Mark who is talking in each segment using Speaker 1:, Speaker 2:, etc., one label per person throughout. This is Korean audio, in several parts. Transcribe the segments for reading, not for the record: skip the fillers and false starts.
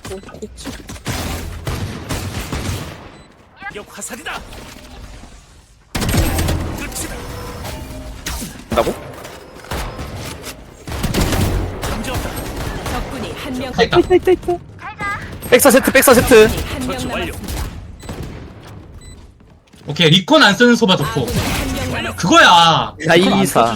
Speaker 1: 그치.
Speaker 2: 역 화살이다.
Speaker 3: 한다고?
Speaker 2: 감지었다.
Speaker 4: 적군이 한명
Speaker 5: 다 있다.
Speaker 1: 있다.
Speaker 3: 백사 세트 백사 세트.
Speaker 4: 한명
Speaker 2: 처치 완료.
Speaker 4: 남았습니다.
Speaker 5: 오케이, 리콘 안 쓰는 소바 좋고.
Speaker 4: 아군이 한명 남았습니다.
Speaker 5: 그거야.
Speaker 3: 나이사.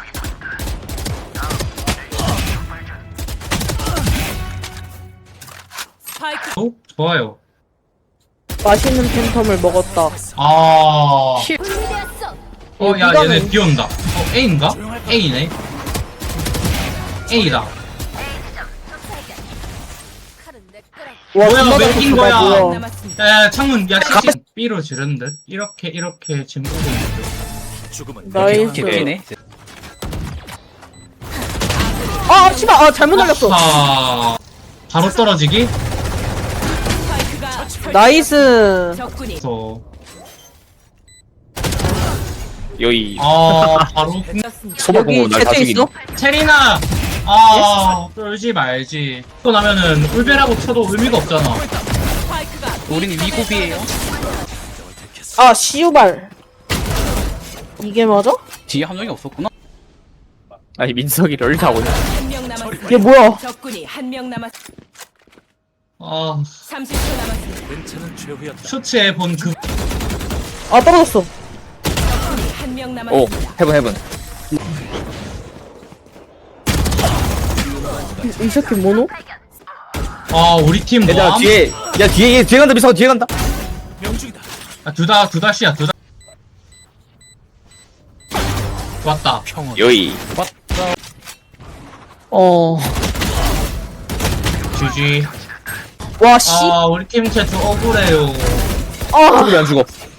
Speaker 4: 스파이크
Speaker 5: 어? 좋아요.
Speaker 1: 맛있는 팬텀을 먹었다.
Speaker 5: 아. 야,
Speaker 1: 이거는-
Speaker 5: 얘네 B 온다. A인가? A네. A다.
Speaker 1: 와,
Speaker 5: 뭐야,
Speaker 1: 존나
Speaker 5: 왜
Speaker 1: 좋다,
Speaker 5: 이긴 거야?
Speaker 1: 뭐야.
Speaker 4: 남았습니다.
Speaker 5: 야, 창문, 야, CC. B로 지른 듯? 이렇게 지금 보고 있는 듯.
Speaker 2: 죽음은
Speaker 1: 나이스.
Speaker 3: 개피네.
Speaker 1: 아, 씨발, 아, 잘못 날렸어.
Speaker 5: 아, 바로 떨어지기?
Speaker 4: 스파이크가 설치-
Speaker 1: 나이스.
Speaker 4: 적군이
Speaker 5: 그래서,
Speaker 3: 여기
Speaker 5: 바로.
Speaker 4: 졌습니다.
Speaker 3: 소바공으로 날다
Speaker 1: 채팅
Speaker 3: 죽이네.
Speaker 1: 있어?
Speaker 5: 체리나! 떨지 말지. 또 나면은, 울베라고 쳐도 의미가 없잖아.
Speaker 4: 스파이크가
Speaker 6: 우리는 위고비에요.
Speaker 1: 아, 시우발. 이게 맞아?
Speaker 6: 뒤에 한 명이 없었구나.
Speaker 3: 아니 민석이 럴 타고 있네.
Speaker 4: 한명 남았습니다.
Speaker 1: 이게 뭐야?
Speaker 4: 적군이 한명 남았.
Speaker 5: 아,
Speaker 4: 30초 남았습니다.
Speaker 2: 괜찮은 최후였다.
Speaker 5: 셔츠에 본 그,
Speaker 1: 아, 떨어졌어.
Speaker 4: 적군이 한명
Speaker 3: 오
Speaker 4: 남았습니다.
Speaker 3: 헤븐.
Speaker 1: 이 새끼 뭐노?
Speaker 5: 우리 팀
Speaker 3: 얘들아
Speaker 5: 뭐함?
Speaker 3: 뒤에 야 뒤에 간다 민석 뒤에 간다.
Speaker 2: 명중이다.
Speaker 5: 두 다시야. 좋았다.
Speaker 2: 평온.
Speaker 3: 여기.
Speaker 1: 어.
Speaker 5: GG.
Speaker 1: 와, 씨.
Speaker 5: 우리 팀 채트 억울해요.
Speaker 1: 아,
Speaker 3: 우리 안 죽어.